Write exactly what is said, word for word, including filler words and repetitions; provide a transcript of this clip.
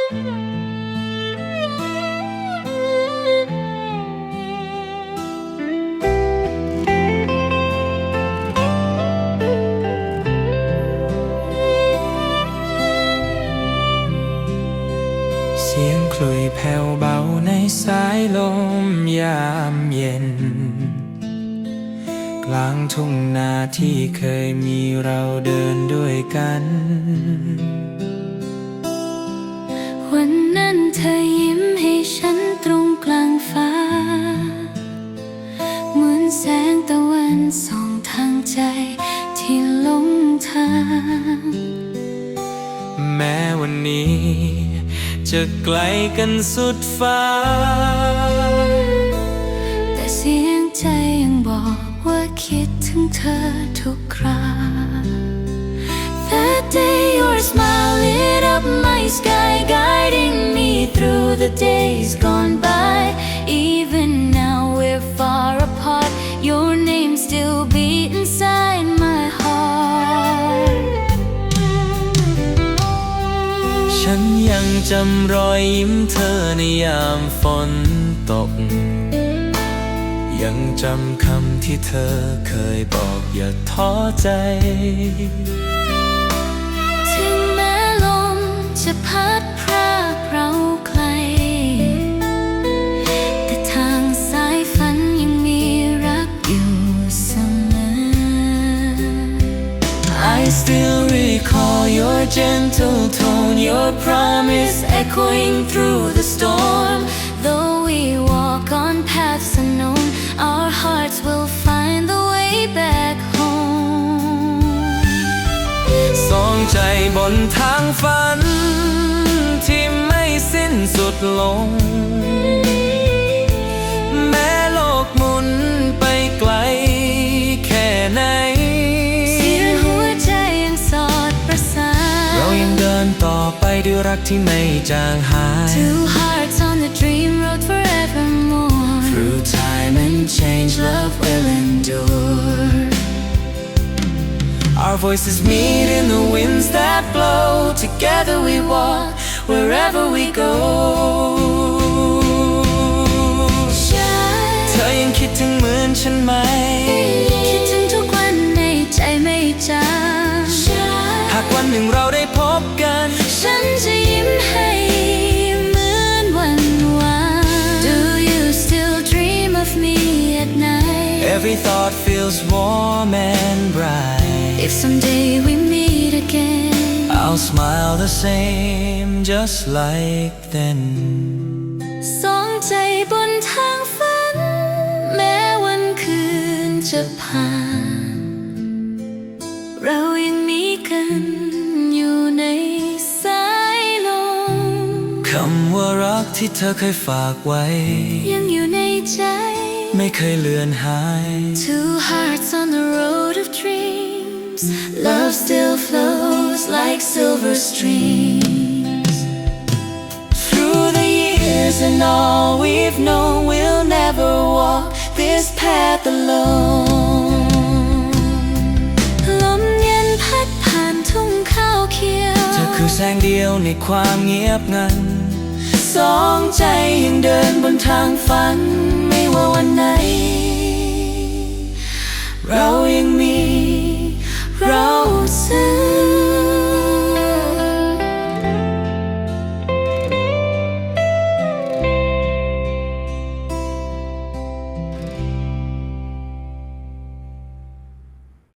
เสียงคลุยแผ่วเบาในสายลมยามเย็นกลางทุ่งนาที่เคยมีเราเดินด้วยกันวันนั้นเธอยิ้มให้ฉันตรงกลางฟ้าเหมือนแสงตะวันส่องทางใจที่หลงทางแม้วันนี้จะไกลกันสุดฟ้าแต่เสียงใจยังบอกว่าคิดถึงเธอทุกครา That day your smile lit up my sky guiding me through the days gone by Even now we're far apart your name still beat inside my heart ฉันยังจำรอยยิ้มเธอในยามฝนตกยังจำคำที่เธอเคยบอกอย่าท้อใจถึงแม้ลมจะพัดพรากเราไกลแต่ทางสายฝันยังมีรักอยู่เสมอ I still recall your gentle tone your promise echoing through the storm Though we walk on paths unknown Our hearts will find the way back home สองใจบนทางฝันที่ไม่สิ้นสุดลงแม้โลกหมุนไปไกลแค่ไหนเสียงหัวใจยังสอดประสานเรายังเดินต่อไปด้วยรักที่ไม่จางหาย Two hearts on the dream road forevermore Through time and change love will endure Our voices meet in the winds that blow Together we walk wherever we go เธอยังคิดถึงเหมือนฉันไหมคิดถึงทุกวันในใจไม่จางหากวันหนึ่งเราได้พบกันฉันจะยิ้มให้เหมือนวันวาน Do you still dream of me at night Every thought feels warm and bright If someday we meet again I'll smile the same just like then สองใจบนทางฝันแม้วันคืนจะผ่านเรายังมีกันอยู่ในสายลมคำว่ารักที่เธอเคยฝากไว้ยังอยู่ในใจไม่เคยเลือนหาย Two hearts on the road of dreams Love still flows like silver streams Through the years and all we've known We'll never walk this path alone ลมเย็นพัดผ่านทุ่งข้าวเขียวเธอคือแสงเดียวในความเงียบงันสองใจยังเดินบนทางฝันไม่ว่าวันไหนเรายังมีเราซึ่ง